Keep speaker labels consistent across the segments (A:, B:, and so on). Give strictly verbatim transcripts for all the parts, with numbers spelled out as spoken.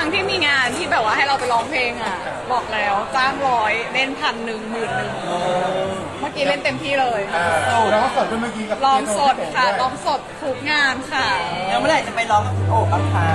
A: งที่มีงานที่แบบว่าให้เราไปร้องเพลงอ่ะบอกแล้วจ้างร้อยเล่นพันหนึ่งหมื่นหนึ่งเมื่อกี้เล่นเต็มที่เลย
B: เราก็สดด้วยเมื่อกี้กับ
A: ร้องสดค่ะร้องสดทุกงานค่ะ
C: แล้วเมื่อไหร่จะไปร้องโอ้บ้างคะ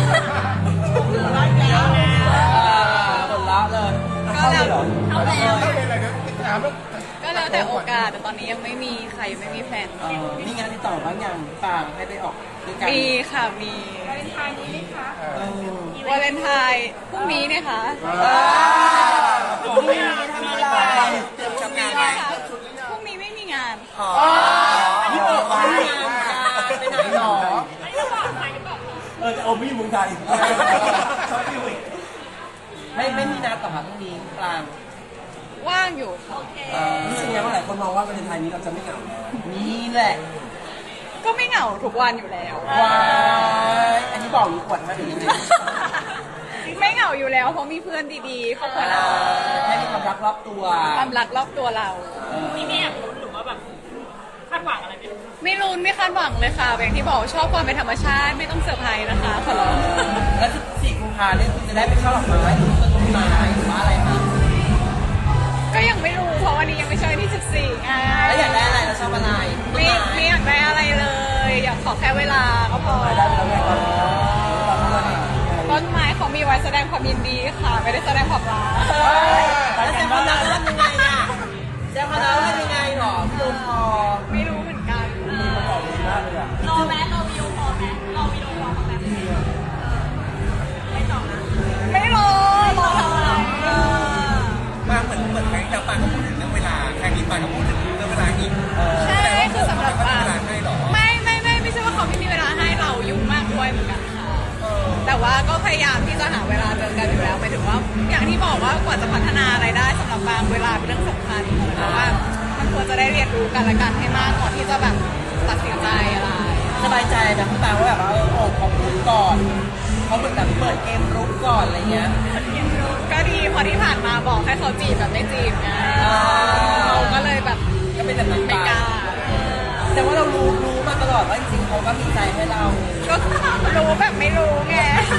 C: ผลละเลย
A: ก็แล้ว
C: เข้าเลยเหรอ
A: เอาแล้ว
B: ถ้าเป็นอะไรเนี่ยถามแล้ว
A: ก็แล้วแต่โอกาสแต่ตอนนี้ยังไม่มีใครไม่มีแฟน
C: เออนี่งานที่ต่อบ้างยังฟางให้ไปออกด้วยกัน
A: มีค่ะมี
C: เออ
A: วาเลนไทน์พรุ่งนี้เนี่ยค่ะ
C: พรุ่งนี้ทำอะไรเตรียมทำงานไหม
A: พรุ่งนี้ไม่มีงาน
C: อ๋อนี่ออกไปไปไหนหรอเออโอ้ไม่อยู่เมืองไทยชอบฟิวอีกไม่ไม่มีนัดต่อค่ะพรุ่งนี้กลาง
A: ว่างอยู่ค่ะ
C: รู้สึกยังไงว่าหลายคนมองว่าวันไทยนี้เราจะไม่เหงานี่แหละ
A: ก็ไม่เหงาทุกวันอยู่แล้ว
C: ว้ายอันนี้บอกหรือขวดมาหรือยังไง
A: ไม่เหงาอยู่แล้วเพราะมีเพื่อนดีๆครอบครัวเรา
C: แค่มีความรักรอบตัว
A: ความรักรอบตัวเรา
D: นี่ไม่อยากรู้หรือว่าแบบคาดหวังอะไรไหม
A: ไม่รุนไม่คาดหวังเลยค่ะอย่างที่บอกชอบความเป็นธรรมชาติไม่ต้องเซอร์ไพรส์นะคะขอร้อง
C: แล้วสี่กุมภาเนี่ยคุณจะได้ไปช่อดอกไม้หรือต้นไม้หรือว่าอะไรคะ
A: ก็ยังไม่รู้เพราะวันนี้ยังไม่ใช่วันที่สิบสี่ไง
C: แล้วอยากได้อะไรเราชอบอะไร
A: ไม่ไม่อยากได้อะไรเลย อยากขอแค่เวลาก็พอ
C: ได้ไปแล้วไงครับ
A: ต้นไม้เขามีไว้แสดงความยินดีค่ะ ไม่ได้แสดงความรัก
C: แล้วแซมคอนดักทำยังไงอ่ะแซมคอนดักทำยังไงหรอพี่ลุงพอ
A: ไม่รู้เหมือนกัน
C: มากเลยอ่ะ
D: รอแม้รอวิดีโอคอลแม้รอวิดีโอคอลเขาแม้ไม่ตอบนะ
A: ไม่รอรอทำไม
E: มาเหมือนเหมือนครั้งที่แล้วปาก็พูดถึงเรื่องเวลาครั้งนี้ปาก็พูดถึงเรื่องเวลาอีก
A: ใช่คือสำหรับ
E: เขา
A: ปา
E: ไม่มีเวลาให้หรอ
A: ไม่ไม่ไม่ไม่ใช่ว่าเขาไม่มีเวลาให้เรายุ่งมากด้วยเหมือนกันค่ะแต่ว่าก็พยายามที่จะหาเวลาเจอกันอยู่แล้วหมายถึงว่า อย่างที่บอกว่ากว่าจะพัฒนาอะไรได้สำหรับบางเวลาเป็นเรื่องสำคัญเพราะว่ามันควรจะได้เรียนรู้กันและกันให้มากก่อนที่จะแบบตัดสินใจอะไร
C: สบายใจนะพี่ปาว่าแบบว่าเออโอ้เขาพูดก่อนเขาเหมือนแบบเปิดเกมรุกก่อนอะไรเงี้ย
A: ก็ดีเพอที่ผ่านมาบอกให้เขาจีบแบบไม่จีบไงเราก็เลยแบบ
C: ก็เป็นแบบนั้น
A: ไม่กล้า
C: แต่ว่าเรารู้รู้มาตลอดว่าจริงๆเขาก็มีใจให้เรา
A: ก็รู้แบบไม่รู้ไง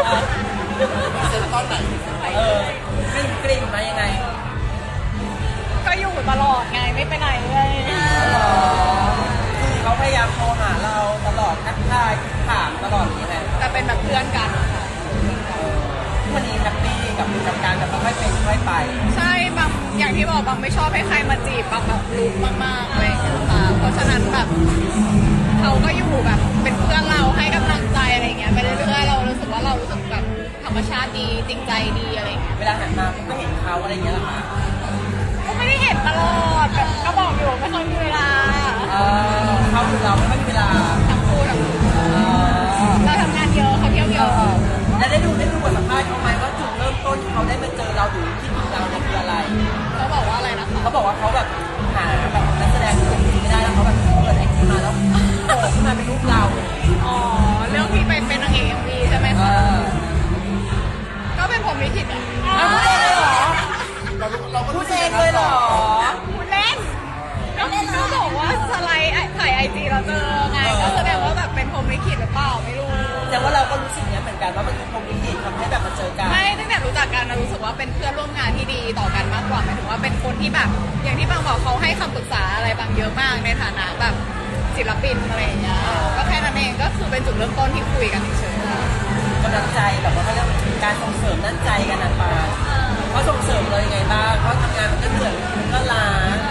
C: เออกลิ่นกลิ่นมายังไง
A: ก็อยู่ตลอดไงไม่ไปไหนเลย
C: คือเขาพยายามโทรหาเราตลอดทักทายถามตลอดอย่างนี้แหละ
A: แต่เป็นแบบเพื่อนกันค่ะ
C: วันนี้แฮปปี้กับกับการแบบค่อยเป็นค่อยไป
A: ใช่บางอย่างที่บอกบางไม่ชอบให้ใครมาจีบบางแบบรู้มากๆอะไรอย่างเงี้ยค่ะเพราะฉะนั้นแบบเขาก็อยู่แบบเป็นเพื่อนเราให้กำลังใจอะไรอย่างเงี้ยไปเรื่อยๆเรารู้สึกว่าเรารู้สึกแบบธรรมชาติดีจริงใจดีอะไรอย่างเงี้ย
C: เวลาหันมาก็เห็นเขาอะไรอย่างเงี้ยเหรอคะ
A: ก็ไม่ได้เห็นตลอดแบบก็บอกอยู่ไม่ค่อยมีเวลา
C: เออเขาคือเราไม่ค่อยมีเวลา
A: ทั้งคู่ทั้งคู่
C: เออ
A: เราทำงานเยอะเขาเที่ยวเยอะ
C: แล้วได้ดูได้ดูบทสัมภาษณ์เขาไหมว่าจุดเริ่มต้นที่เขาได้มาเจอเราหรือที่ถึงเราเนี่ยคืออะไร
A: เขาบอกว่าอะไรนะคะ
C: เขาบอกว่าเขาแบบหาแบบนักแสดงคนอื่นไม่ได้แล้วเขาแบบเปิดไอจีมาแล้วโผล่ขึ้นมาเป็นรูปเรา
A: อ๋อเรื่องที่ไปเป็นนางเอกเอ็มวีใช่ไหม
C: เอ
A: คะ
C: อ
A: ก็เป็นผมลิขิตอ่ะ
C: เอาพูดเองเลยเหรอ
B: เราเราก็
C: พูดเองเลยเหรอ
A: พูดเล่นก็ก็บอกว่าสไลด์ถ่ายไอจีเราเจอไงก็แสดงว่าแบบเป็นผมลิขิตหรือเปล่าไม่รู้
C: แต่ว่าเราก็รู้สึกเนี้ยเหมือนกันว่ามันคือพรหมลิขิตทำให้แบบมาเจอกัน
A: ไม่ตั้งแต่รู้จักกันนะรู้สึกว่าเป็นเพื่อนร่วมงานที่ดีต่อกันมากกว่าหมายถึงว่าเป็นคนที่แบบ อย่างที่บางบอกเขาให้คำปรึกษาอะไรบางเยอะมากในฐานะแบบศิลปินอะไรอย่างเงี้ยก็แค่นั้นเองก็คือเป็นจุดเริ่มต้นที่คุยกันเฉยๆ
C: กำลังใจแบบว่าเขาเรียกการส่งเสริมด้านใจกันนะปาเขาส่งเสริมเรายังไงบ้างเขาทำงานมันก็เหนื่อยมันก็ล้า
A: ก็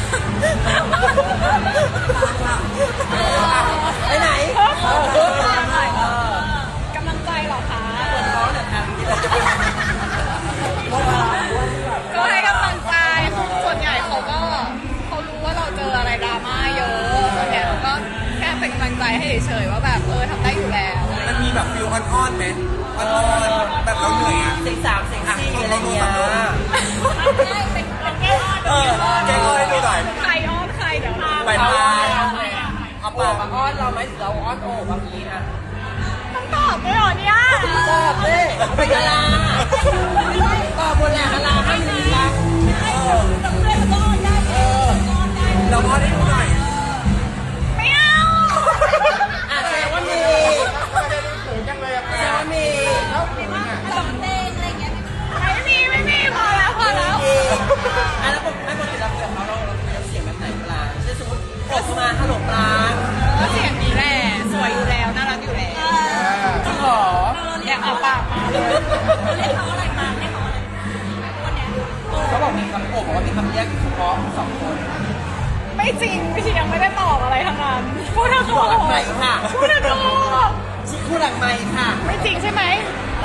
C: ไปไหนเออก
A: ำลังใจเหรอคะ
C: ปวดท้องเนี่ยครับที่เราจะไป
A: ก็ให้กำลังใจส่วนใหญ่เขาก็เขารู้ว่าเราเจออะไรดราม่าเยอะส่วนใหญ่เราก็แค่เป็นกำลังใจให้เฉยๆว่าแบบเออทำได้อยู่แล้ว
E: มันมีแบบฟิลอ่อนๆไหมอ่อนๆแบบเราเหนื่อยอ่ะ
C: เสียงสามเสียงสี่อะไรเงี้ย
E: เออแกก็ให้ดูหน่อย
A: ใครอ้อนใครเดี๋ยว
E: ไป
C: เอา
E: มา
C: เอาปากมาอ้อนเราไหมหรือเราอ้อนโอ้บางทีนะ
A: ต้องตอบด้วยเหรอเนี่ย
C: ตอบเลยเป็นดาราตอบบนแหละดาราให้ดีละเออเออ
E: เราอ้อนให้ดูหน่อย
A: ไม่เอา
C: อ่ะแสดงว่ามี
B: เขินจังเลยอะ
C: แสดงว่ามี
B: แล้วเขินอ่ะ
A: สัมอ่ะปากมาเลย
D: เรียกเขาอะไรมาเรียกเขาอะไรวันเนี้ย
C: เขาบอกมีคำโอบบอกว่ามีคำเรียกเฉพาะสองคน
A: ไม่จริงพี่ชียังไม่ได้ตอบอะไรทั้งนั้นพูดทั้ง
C: คู่หลังใหม่ค่ะ
A: พูดทั้งโลก
C: ชิคู่หลังใหม่ค่ะ
A: ไม่จริงใช่ไหม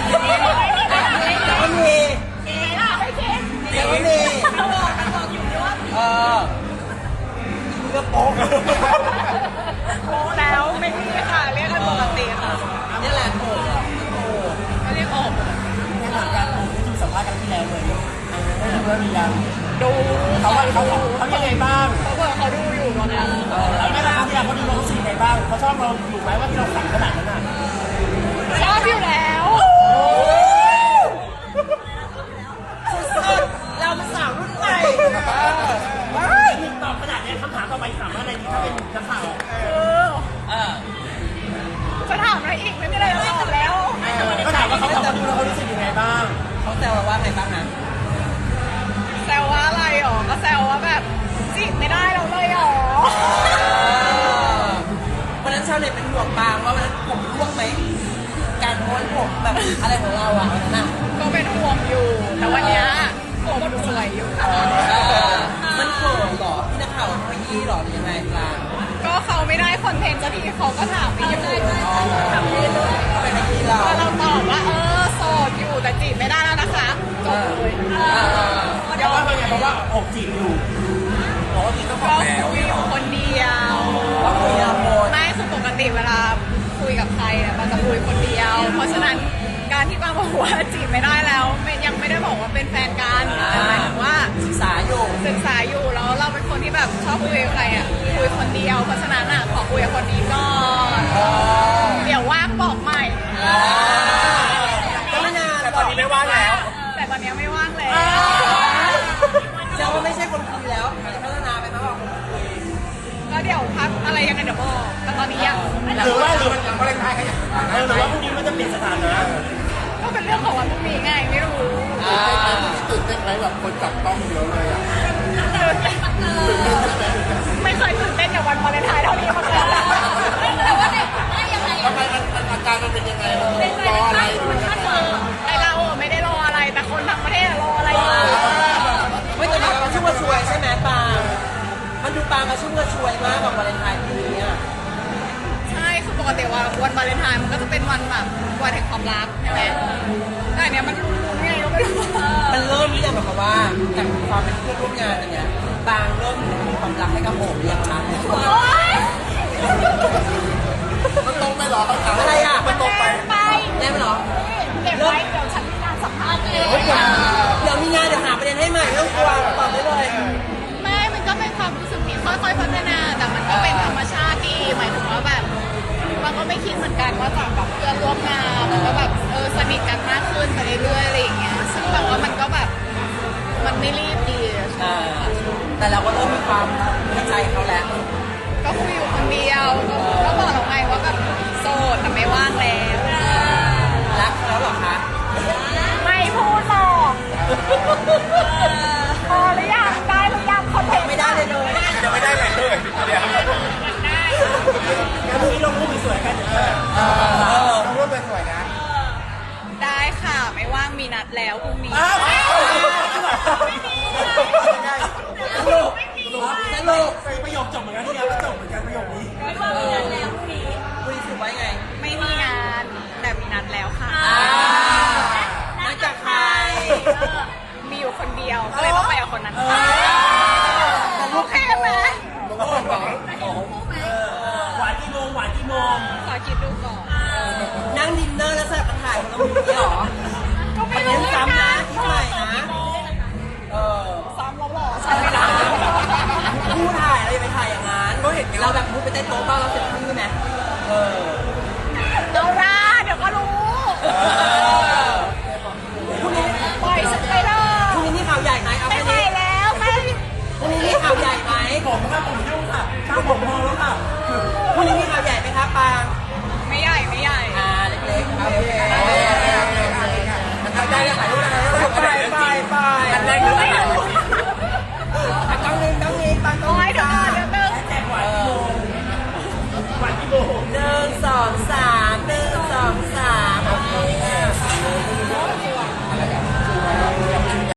C: แล้วก็มี
D: เอ๊ะล่ะไม่เช็ค
C: แล้วก็มี
D: มันบอกมันบอกอยู่ด้วยว่า
C: เออเลือกโป๊ก
A: โอ้แล้วไม่มีค่ะเรียกกันปกติค่ะ
C: นี่แหละโอบอะโอบ
A: ก็เรียกออก
C: ในหลังการโอบที่ดูสัมภาษณ์กันที่แล้วเลยไม่รู้ว่ามียัง
A: ดู
C: เขาว่าเขาเขายังไงบ้าง
A: เขาบอกเขาดูอยู่ตอนนี้
C: แล้วไม่รับที่เราเขาดูเรารู้สึกยังไงบ้างเขาชอบเราอยู่ไหมว่าที่เราสั่งขนาดนั้นอ่ะ
A: ชอบอยู่แล้ว
C: เราเป็นสาวรุ่นใหม่หนึ่งตอบขนาดนี้คำถามต่อไปถามว่าอะไรดีถ้าเป็นนักข่าว
A: คือ
C: เออ
A: จะถามอะไรอีกไม่มีอะไรจะตอบแล้ว
C: ก็ถามว่าเขาเขาดูแล้วเขารู้สึกยังไงบ้างเขาแซวเราว่าไงบ้างนะ
A: แซวว่าอะไรหรอก็แซวว่าแบบจีบไม่ได้เราเลยหรอ
C: วันนั้นชาวเน็ตเป็นห่วงปางว่าวันนั้นผมร่วงไหมการม้วนผมแบบอะไรของเราอ่ะวันนั้นอ่ะ
A: ก็เป็นห่วงอยู่ แต่วันเนี้ยผมสวยอยู่
C: มันเขินหรอพี่นักข่าวเขายี่หรอหรือยังไงปาง
A: ก็เขาไม่ได้คอนเทนต์สักทีเขาก็ถามไปอยู่ถามไปเรื่อย
C: เขาเป็นยี่เรา
A: ก็เราตอบว่าเออโสดอยู่แต่จีบไม่ได้แล้วนะคะจบเลย
C: เดี๋ยวว่าเป็นไงเพราะว่าอกจีบอยู่บอกว่าจีบต้องบ
A: ก็
C: อกแล้ว
A: คุยอยู่คนเดียว
C: ว่าคุยละคน
A: ไม่คือปกติเวลาคุยกับใครเนี่ยมันจะคุยคนเดียว เพราะฉะนั้นการที่ป้าบอกว่าจีบไม่ได้แล้วไม่ยังไม่ได้บอกว่าเป็นแฟนกันแต่หมายถึงว่า
C: ศึกษาอยู่
A: ศึกษาอยู่แล้วเราเป็นคนที่แบบชอบคุยกับใครอ่ะคุยคนเดียว เพราะฉะนั้นอ่ะขอคุยกับคนนี้ก่อนเดี๋ยวว่างบอกใหม่
C: ก็ไม่นาน
E: แต่ตอนนี้ไม่ว่างแล้ว
A: แต่ตอนนี้ไม่ว่างแล้ว
C: แสดงว่าไม่ใช่คนคุยแล้วจะพัฒนาไปมากกว่าคนคุย
A: ก็เดี๋ยวพักอะไรยังไงเดี๋ยวบอกแต่ตอนนี้ยัง
B: หรือว่าหรือมันวาเลนไทน์ขยันเออหรือว่าพรุ่งนี้มันจะเปลี่ยนสถานะ
A: ก็เป็นเรื่องของวันพรุ่งนี้ไงไม่รู้
B: ตื่นเต้นไหมแบบคนจับต้องเยอะเลยอ่ะ
A: ไม่เคยตื่นเต้นกับวันวาเลนไทน์เท่านี้มาก่อน
D: แต่ว่าในได้ยังไง
B: ทำไมมันมันอาการมันเป็นยังไงมันรออะไรหรือมันยังไง
A: ไอเราอะไม่ได้รออะไรแต่คนทั้งประเทศอะรออะไรอยู่
C: ไม่แต่มันชุ่มกระชวยใช่ไหมปางมันดูปางมาชุ่มกระชวยมากกว่าวาเลนไทน์ปีนี้อ่ะ
A: ใช่คือปกติว่าวันวาเลนไทน์มันก็จะเป็นวันแบบวันแห่งความรักใช่ไหมแต่อันเนี้ยมันรุนๆไงก็ไม่รู้
C: มันเริ่มที่จะแบบว่าจากความเป็นเพื่อนร่วมงานอย่างเงี้ยปางเริ่มมีความรักให้กับโอบเรียงคะ
A: โอ๊ย
B: มันตรงไหมหรอเขาถาม
C: อะไรอ่ะ
B: มันตรงไป
A: ไป
C: แน่ไหมเหรอ
A: เก็บไว้เดี๋ยวฉันมีการสัมภาษณ์เอง
C: เฮ้ยเดี๋ยวเดี๋ยวมีงานเดี๋ยวหาประเด็นให้ใหม่ไม่ต้องกลัวตอบได้เลย
A: ไม่ มันก็เป็นความรู้สึกที่ค่อยๆพัฒนา แต่มันก็เป็นธรรมชาติดีหมายถึงว่าแบบมันก็ไม่คิดเหมือนกันว่าจากแบบเพื่อนร่วมงานแล้วก็แบบเออสนิทกันมากขึ้นไปเรื่อยๆอะไรอย่างเงี้ยซึ่งแบบว่ามันก็แบบมันไม่รีบดี
C: อ่าแต่เราก็เริ่มมีความเข้าใจเขาแล้ว
A: ก็คุยอยู่คนเดียวก็ก็บอกเราไงว่าแบบโสดแต่ไม่ว่างแล้ว
C: รักเขาแล้วเหรอคะ
A: ไม่พูดหรอกพอหรือยังได้หรือยังคอนเทนต์
C: ไม่ได้เลยเลย
E: ยังไม่ได้เลยเลยเดี๋ยว
C: งั้นพรุ่งนี้ลงรูปสวยๆกันเออเออ
B: ต้องรูปเป็นสวยนะ
A: ได้ค่ะไม่ว่างมีนัดแล้วพรุ่งนี้
C: สรุปสรุปประโยคจบเหมือนกันที่แล้วก็จบเหมือนกันประโยคนี้
D: ไม่ว่ามีนัดแล้วพรุ่งนี้
C: คุยสรุปไว้ไง
A: ไม่มีงานแต่มีนัดแล้วค่ะ
C: อ่านัดจากใคร
A: มีอยู่คนเดียวก็เลยต้องไปกับคนนั้นค่ะโอเคไหม
C: หวานกี่โมงหวานกี่โมง
A: ขอคิดดูก่อน
C: นั่งดินเนอร์แล้วสลับกันถ่ายของเราอย่างนี้เหรอ
A: ก็
C: ไป
A: ไม่
C: เน้
A: รู้
C: น
A: เหมือน
C: ซ้ำ
A: กั
C: นะ
A: น
C: ที่ใหม่นะเออ
A: ซ้ำแล้วหรอซ้ำไม่ได้
C: ผู้ถ่ายเราอย่าไปถ่ายอย่างนั้นเราแบบมุดไปใต้โต๊ะบ้างเรา